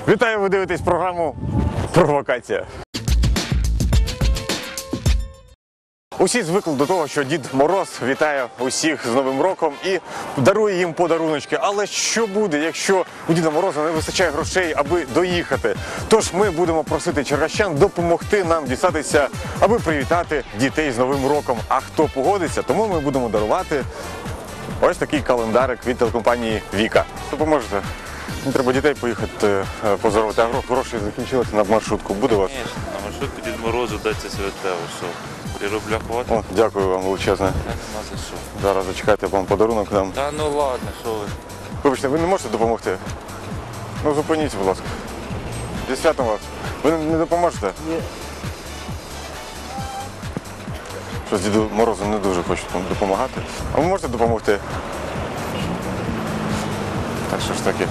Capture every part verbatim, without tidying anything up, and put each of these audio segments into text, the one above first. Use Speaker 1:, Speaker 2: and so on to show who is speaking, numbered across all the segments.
Speaker 1: Вітаю, ви дивитесь програму «Провокація». Усі звикли до того, що Дід Мороз вітає усіх з Новим роком і дарує їм подаруночки. Але що буде, якщо у Діда Мороза не вистачає грошей, аби доїхати? Тож ми будемо просити черкащан допомогти нам дістатися, аби привітати дітей з Новим роком. А хто погодиться, тому ми будемо дарувати ось такий календарик від телекомпанії «Віка». Допоможете? Мені треба дітей поїхати поздоровити, а гроші закінчилися на маршрутку. Буде у вас?
Speaker 2: Звісно, на маршрутку Дід Морозу даться святе, що? три рубля хватить?
Speaker 1: О, дякую вам величезне.
Speaker 2: Нема за що.
Speaker 1: Зараз зачекайте, вам подарунок дам.
Speaker 2: Та ну ладно, що ви.
Speaker 1: Вибачте, ви не можете допомогти? Ну зупиніться, будь ласка. Зі святом вас. Ви не допоможете?
Speaker 3: Ні.
Speaker 1: Щось Діду Морозу не дуже хочуть допомагати. А ви можете допомогти? Так що ж таки.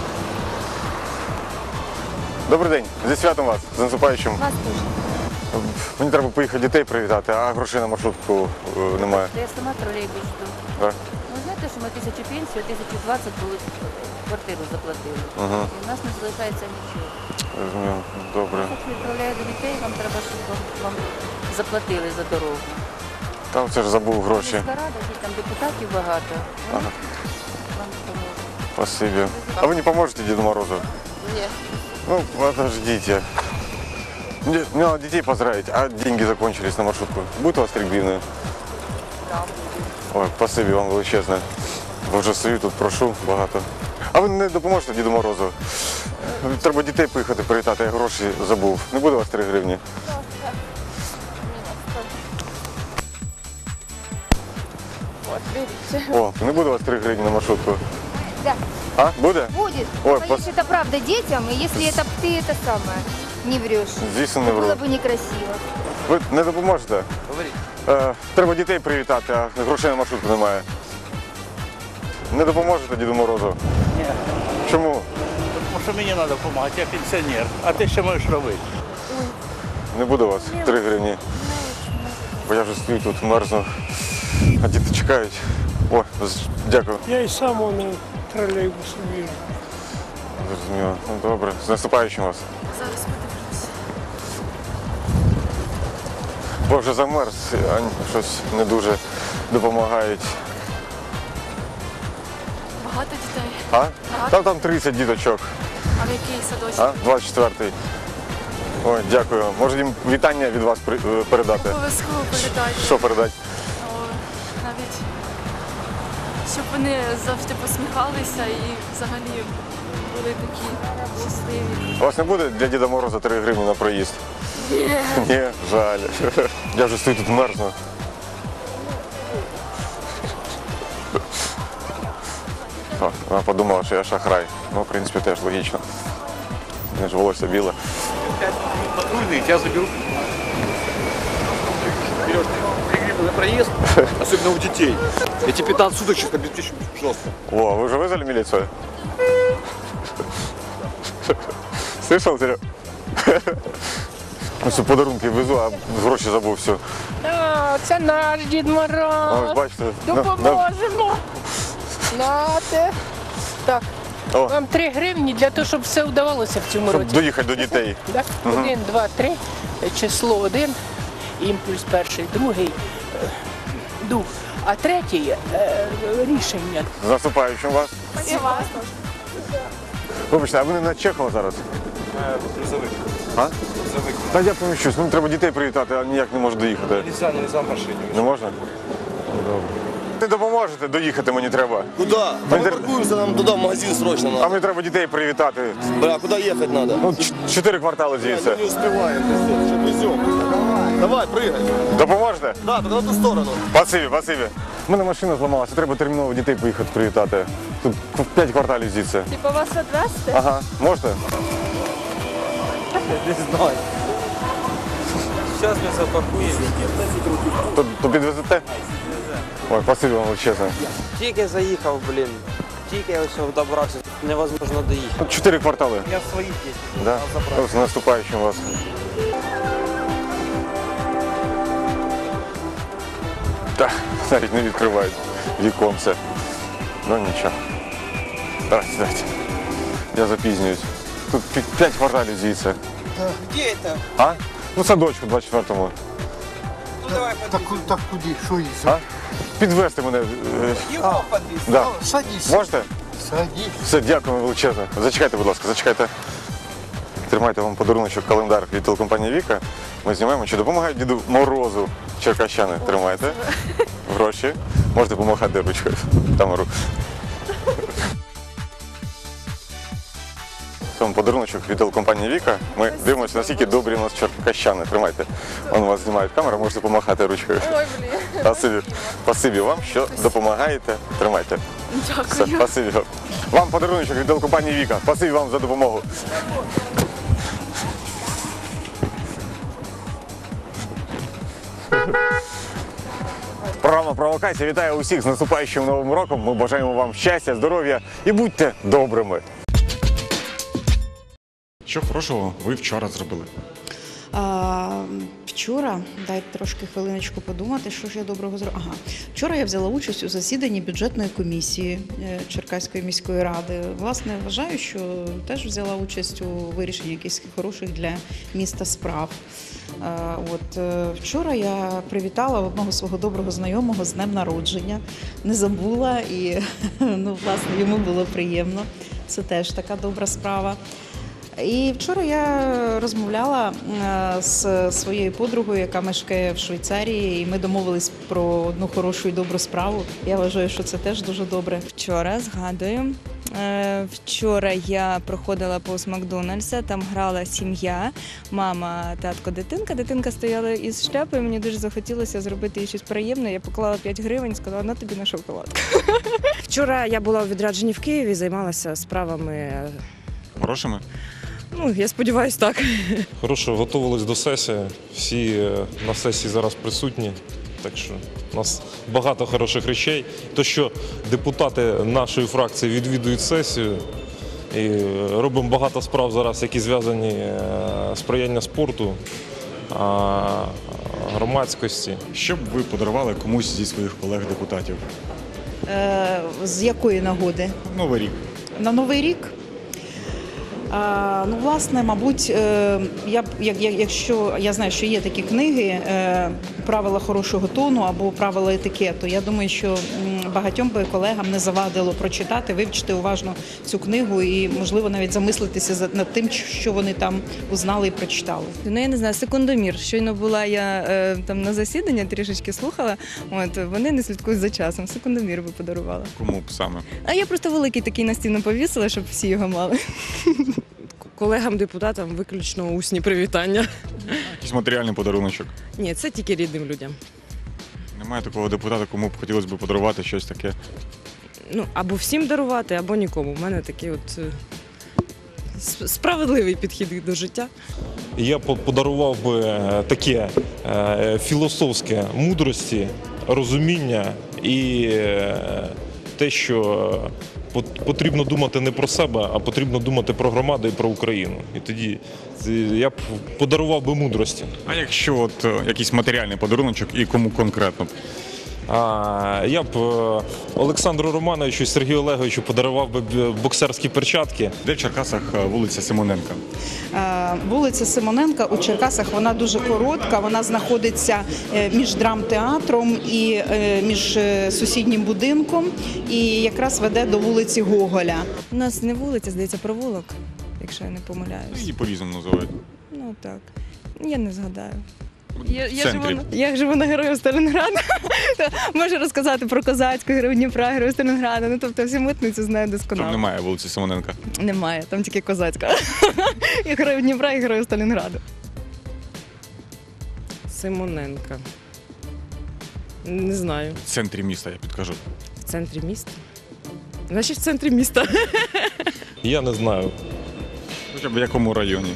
Speaker 1: Добрий день, зі святом вас, з наступаючим.
Speaker 4: Вас теж.
Speaker 1: Мені треба поїхати дітей привітати, а грошей на маршрутку е, немає.
Speaker 4: Я сама тролейбус жду.
Speaker 1: Так?
Speaker 4: Ви знаєте, що ми тисячу пенсію, тисячу двадцять були квартиру заплатили.
Speaker 1: Ага.
Speaker 4: І в нас не залишається нічого.
Speaker 1: Розумію. Добре.
Speaker 4: Якщо відправляю до дітей, вам треба, щоб вам, вам заплатили за дорогу.
Speaker 1: Там це ж забув гроші.
Speaker 4: Міська рада, там депутатів багато. Вони
Speaker 1: Ага.
Speaker 4: вам допоможуть.
Speaker 1: Спасибо. А вы не поможете Деду Морозу?
Speaker 4: Ні.
Speaker 1: Ну, подождите. Мне, мне надо детей поздравить, а деньги закончились на маршрутку. Будет у вас три гривны?
Speaker 4: Да.
Speaker 1: Ой, спасибо вам величезне. Бо вже стою тут, прошу багато. А ви не допоможете Діду Морозу? Треба дітей поїхати привітати, я гроші забув. Не буде у вас три гривні?
Speaker 4: От, видите.
Speaker 1: О, не буде у вас три гривні на маршрутку?
Speaker 5: Да,
Speaker 1: А, буде?
Speaker 5: будет.
Speaker 1: Ой,
Speaker 5: Боюсь,
Speaker 1: пос-
Speaker 5: это правда детям, и если это ты это самое не врешь,
Speaker 1: Звісно, не
Speaker 5: то было
Speaker 1: вру.
Speaker 5: бы некрасиво.
Speaker 1: Ви не допоможете?
Speaker 3: Говоріть.
Speaker 1: Е, треба дітей привітати, а грошей на маршрутку немає. Не допоможете Діду Морозу?
Speaker 3: Ні.
Speaker 1: Чому?
Speaker 3: Тому що мені треба допомагати, я пенсіонер. А ти що можеш робити?
Speaker 1: Не буде у вас три гривні. Бо я вже стою тут, мерзну, а діти чекають. О, з- дякую.
Speaker 6: Я і сам на тролейбусу їжджу.
Speaker 1: Зрозуміло. Ну, добре. З наступаючим вас.
Speaker 4: Зараз подивлюся.
Speaker 1: Бо вже замерз, а щось не дуже допомагають.
Speaker 7: Багато дітей.
Speaker 1: А? Там там тридцять діточок.
Speaker 7: А в який садочок?
Speaker 1: А? двадцять четвертий. Ой, дякую. Може їм вітання від вас при- е, передати?
Speaker 7: Обов'язково передати.
Speaker 1: Що передати?
Speaker 7: О, навіть щоб вони завжди посміхалися і взагалі були такі щасливі.
Speaker 1: У вас не буде для Діда Мороза три гривні на проїзд?
Speaker 7: Ні.
Speaker 1: Ні, жаль. Я вже стою тут мерзну. О, вона подумала, що я шахрай. Ну, в принципі, теж логічно. Не ж волосся біле.
Speaker 8: Патрульные, тебя заберут. Берешь три гривны на проезд, особенно у детей. Эти пятнадцать суток сейчас обеспечим жестко.
Speaker 1: О, вы уже вызвали милицию? Слышал, Серег? Ну, все, подарунки везу, а гроші забув, все.
Speaker 6: А, це наш Дід
Speaker 1: Ось,
Speaker 6: Мороз.
Speaker 1: бачите. на- на-
Speaker 6: Допоможемо. Нате. Так,
Speaker 1: О,
Speaker 6: вам три гривні для того, щоб все вдавалося в цьому
Speaker 1: щоб
Speaker 6: році.
Speaker 1: доїхати до дітей.
Speaker 6: Так? Один, два, три. Число один, імпульс перший, другий, е, дух. А третій е, рішення.
Speaker 1: З наступаючим вас. Вибачте, а ви не на Чехова зараз?
Speaker 8: Грузовик.
Speaker 1: А?
Speaker 8: Грузовик.
Speaker 1: Та я поміщусь, ну треба дітей привітати, а ніяк не можу доїхати.
Speaker 8: Нельзя, нельзя в машине.
Speaker 1: Не можна? Добре. Не допоможете, доїхати мені треба.
Speaker 9: Куда? Да мы
Speaker 1: Интер-
Speaker 9: паркуемся, нам туда в магазин срочно
Speaker 1: А
Speaker 9: надо.
Speaker 1: мені треба дітей привітати.
Speaker 9: Бля, куда ехать надо?
Speaker 1: Ну, ч- чотири квартали звідси.
Speaker 9: Не успеваем, пиздец, что везем. Давай, прыгай.
Speaker 1: Допоможете?
Speaker 9: Да, только на ту сторону.
Speaker 1: Спасибі, спасибі. У мене машина зламалася, треба терміново дітей поїхати привітати. Тут п'ять кварталів звідси.
Speaker 7: Типу вас відвезти?
Speaker 1: Ага, можете?
Speaker 3: Не знаю. Зараз ми запакуємо.
Speaker 1: То, то підвезете? Ой, спасибі вам величезне.
Speaker 10: Тільки заїхав, блін. Тільки ось добрався. Невозможно доїхати.
Speaker 1: Тут чотири квартали.
Speaker 3: Я своїх є.
Speaker 1: Да? Ну, з наступаючим вас. Так, навіть не відкривають віконце. Ну нічого. Давайте, давайте. Я запізнююсь. тут пі- п'ять кварталів звідси.
Speaker 10: Где это?
Speaker 1: А? Ну, садочку двадцять четвертому.
Speaker 10: Ну давай
Speaker 9: Так,
Speaker 10: подвезем.
Speaker 9: так куди? Що їй?
Speaker 1: А? Підвезти мене. е,
Speaker 10: Его подвезем.
Speaker 1: Да.
Speaker 9: Садись.
Speaker 1: Можете?
Speaker 9: Садись.
Speaker 1: Все, дякую величезно. Зачекайте, будь ласка, зачекайте. Тримайте вам подаруночок, календар від телекомпанії Віка. Ми знімаємо, чи допомагають Діду Морозу черкащани. Тримайте. Гроші. Можете помахати ручкою. Камеру. Це вам подаруночок від телекомпанії Віка. Ми дивимося, наскільки добрі у нас черкащани. Тримайте. Вон вас знімають камеру, можете помахати ручкою.
Speaker 7: Ой, блін.
Speaker 1: Спасибі. Спасибі вам, що допомагаєте. Тримайте. Все,
Speaker 7: Дякую.
Speaker 1: спасибі вам. Вам подаруночок від телекомпанії Віка. Спасибі вам за допомогу. Програма «Провокація» вітає усіх з наступаючим Новим роком. Ми бажаємо вам щастя, здоров'я і будьте добрими. Що хорошого ви вчора зробили?
Speaker 11: А, вчора, дайте трошки хвилиночку подумати, що ж я доброго зробила. Ага. Вчора я взяла участь у засіданні бюджетної комісії е, Черкаської міської ради. Власне, вважаю, що теж взяла участь у вирішенні якихось хороших для міста справ. Е, От е, вчора я привітала одного свого доброго знайомого з днем народження, не забула і ну, власне, йому було приємно. Це теж така добра справа. І вчора я розмовляла е, з своєю подругою, яка мешкає в Швейцарії, і ми домовились про одну хорошу і добру справу. Я вважаю, що це теж дуже добре.
Speaker 12: Вчора, згадую, е, вчора я проходила повз Макдональдса, там грала сім'я, мама, татко, дитинка. Дитинка стояла із шляпою, мені дуже захотілося зробити їй щось приємне. Я поклала п'ять гривень і сказала, на тобі на шоколадку.
Speaker 13: Вчора я була у відрядженні в Києві, займалася справами.
Speaker 1: Хорошими?
Speaker 13: Ну, я сподіваюся, так.
Speaker 14: Хорошо, готувались до сесії. Всі е, на сесії зараз присутні. Так що у нас багато хороших речей. То, що депутати нашої фракції відвідують сесію і е, робимо багато справ зараз, які зв'язані е, з сприяння спорту, а, громадськості.
Speaker 1: Що б ви подарували комусь зі своїх колег-депутатів?
Speaker 11: Е, З якої нагоди?
Speaker 1: Новий рік.
Speaker 11: На Новий рік? А, ну, власне, мабуть, е, я б, як, як- якщо я знаю, що є такі книги е, «Правила хорошого тону» або «Правила етикету», я думаю, що м, багатьом би колегам не завадило прочитати, вивчити уважно цю книгу і, можливо, навіть замислитися за- над тим, що вони там узнали і прочитали.
Speaker 12: Ну, я не знаю, секундомір. Щойно була я е, там на засіданні, трішечки слухала, от, вони не слідкують за часом. Секундомір би подарувала.
Speaker 1: Кому б саме?
Speaker 12: А я просто великий такий на стіну повісила, щоб всі його мали.
Speaker 13: Колегам-депутатам виключно усні привітання.
Speaker 1: Якийсь матеріальний подаруночок.
Speaker 13: Ні, це тільки рідним людям.
Speaker 1: Немає такого депутата, кому б хотілося б подарувати щось таке.
Speaker 13: Ну, або всім дарувати, або нікому. У мене такий от е, с- справедливий підхід до життя.
Speaker 14: Я по- подарував би е, таке е, філософське мудрості, розуміння і е, те, що пот- потрібно думати не про себе, а потрібно думати про громаду і про Україну. І тоді це- я б подарував би мудрості.
Speaker 1: А якщо от е, якийсь матеріальний подаруночок і кому конкретно?
Speaker 14: А, я б е, Олександру Романовичу і Сергію Олеговичу подарував би б- боксерські перчатки.
Speaker 1: Де в Черкасах е, вулиця Симоненка?
Speaker 11: Е, Вулиця Симоненка у Черкасах, вона дуже коротка, вона знаходиться е, між драмтеатром і е, між е, сусіднім будинком і якраз веде до вулиці Гоголя.
Speaker 12: У нас не вулиця, здається, провулок, якщо я не помиляюсь.
Speaker 1: Її по-різному називають.
Speaker 12: Ну так, я не згадаю. Я,
Speaker 1: В
Speaker 12: я, живу,
Speaker 1: центрі.
Speaker 12: на- я живу на Героїв Сталінграда. Можу розказати про Козацьку, Героїв Дніпра, Героїв Сталінграда. Ну, тобто всю митницю знаю
Speaker 1: Там
Speaker 12: досконало.
Speaker 1: немає вулиці Симоненка.
Speaker 12: Немає, там тільки Козацька. І Героїв Дніпра, і Героїв Сталінграду.
Speaker 13: Симоненка. Не знаю.
Speaker 1: В центрі міста, я підкажу.
Speaker 13: В центрі міста. Значить, в центрі міста.
Speaker 14: Я не знаю.
Speaker 1: Хоча б в якому районі?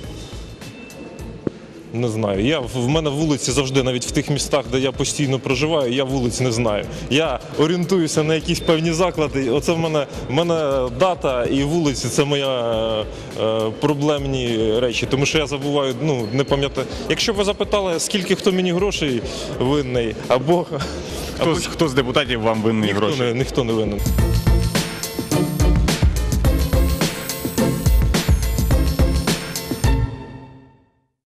Speaker 14: Не знаю. Я, в мене вулиці завжди, навіть в тих містах, де я постійно проживаю, я вулиць не знаю. Я орієнтуюся на якісь певні заклади. Оце в мене, в мене дата і вулиці це моя е, е, проблемні речі. Тому що я забуваю, ну, не пам'ятаю. Якщо б ви запитали, скільки хто мені грошей винний, або
Speaker 1: Хто, з- хто з депутатів вам винний
Speaker 14: ніхто
Speaker 1: гроші?
Speaker 14: не, ніхто не винен.